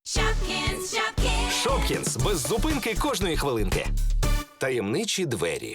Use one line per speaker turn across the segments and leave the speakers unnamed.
Shopkins, Shopkins.
Шопкінс. Без зупинки кожної хвилинки. Таємничі двері.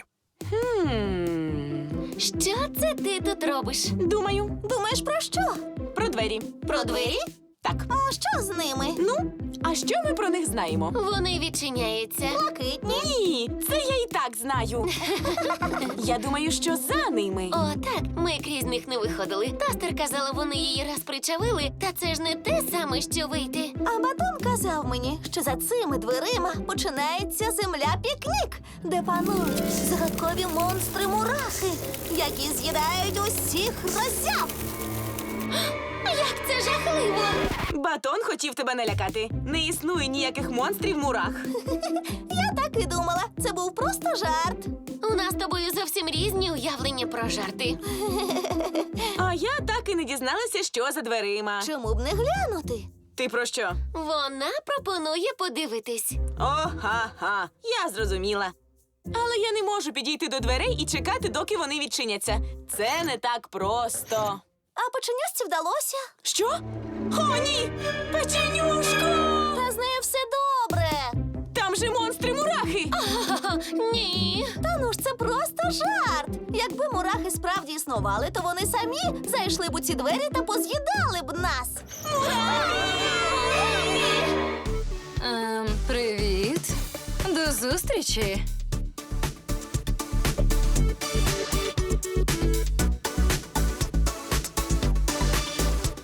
Що це ти тут робиш?
Думаю.
Думаєш про що?
Про двері.
Про двері?
Так.
А що з ними?
Ну, а що ми про них знаємо?
Вони відчиняються. Блакитні.
Ні, це я і так знаю. Я думаю, що за ними.
О, так, ми крізь них не виходили. Тостер казала, вони її раз причавили, та це ж не те саме, що вийти.
А Батон казав мені, що за цими дверима починається земля-пікнік, де панують загадкові монстри-мурахи, які з'їдають усіх роззяв.
Як це жахливо!
Батон хотів тебе налякати. Не існує ніяких монстрів-мурах.
Я так і думала, це був просто жарт.
У нас з тобою зовсім різні уявлення про жарти.
А я так і не дізналася, що за дверима.
Чому б не глянути?
Ти про що?
Вона пропонує подивитись.
Ха-ха, я зрозуміла. Але я не можу підійти до дверей і чекати, доки вони відчиняться. Це не так просто.
А печенюшці вдалося.
Що? О, ні! Печенюшко!
Та з нею все добре.
Там же монстри-мурахи!
Ні.
Та ну ж це просто жарт. Якби мурахи справді існували, то вони самі зайшли б у ці двері та поз'їдали б нас.
Привіт. До зустрічі.